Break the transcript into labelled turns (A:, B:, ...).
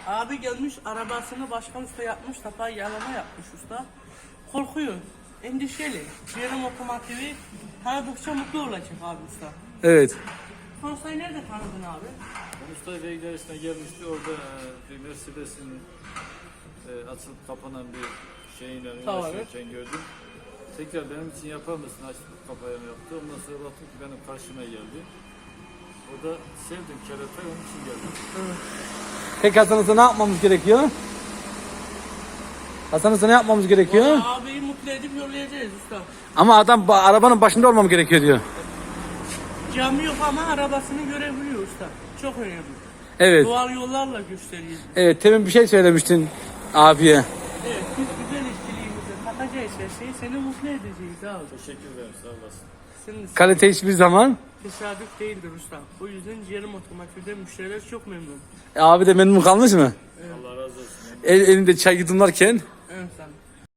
A: Abi gelmiş arabasını başka usta yapmış, tapa yalama yapmış usta. Korkuyor, endişeli. Ciğerim otomotivi tanıdıkça mutlu olacak abi usta.
B: Evet.
A: Konstayı nerede tanıdın abi?
C: Usta Beyler'e gelmişti. Orada bir Mercedes'in açılıp kapanan bir şeyiyle uğraşırken gördüm. Tekrar benim için yapar mısın? Açıp kapayama yaptı. Ondan sonra baktım ki benim karşıma geldi. O da sevdim keratayı, onun için geldim.
B: Peki Hasan Usta ne yapmamız gerekiyor? Hasan Usta ne yapmamız gerekiyor?
A: Vallahi abiyi mutlu edip yollayacağız usta.
B: Ama adam arabanın başında olmam gerekiyor diyor.
A: Camı yok ama arabasını görebiliyor usta. Çok önemli.
B: Evet.
A: Doğal yollarla gösteriyoruz.
B: Evet, temin bir şey söylemiştin abiye.
A: Evet, biz güzel işçiliğimize katacağız her şeyi, seni mutlu edeceğiz abi.
C: Teşekkür ederim, sağ olasın.
A: Senin
B: Kalite hiçbir zaman.
A: tesadüf değildir usta. O yüzden ciğerim otomotivde müşteriler çok memnun.
B: Abi de memnun kalmış mı?
C: Allah razı olsun.
B: Elinde çay yudumlarken.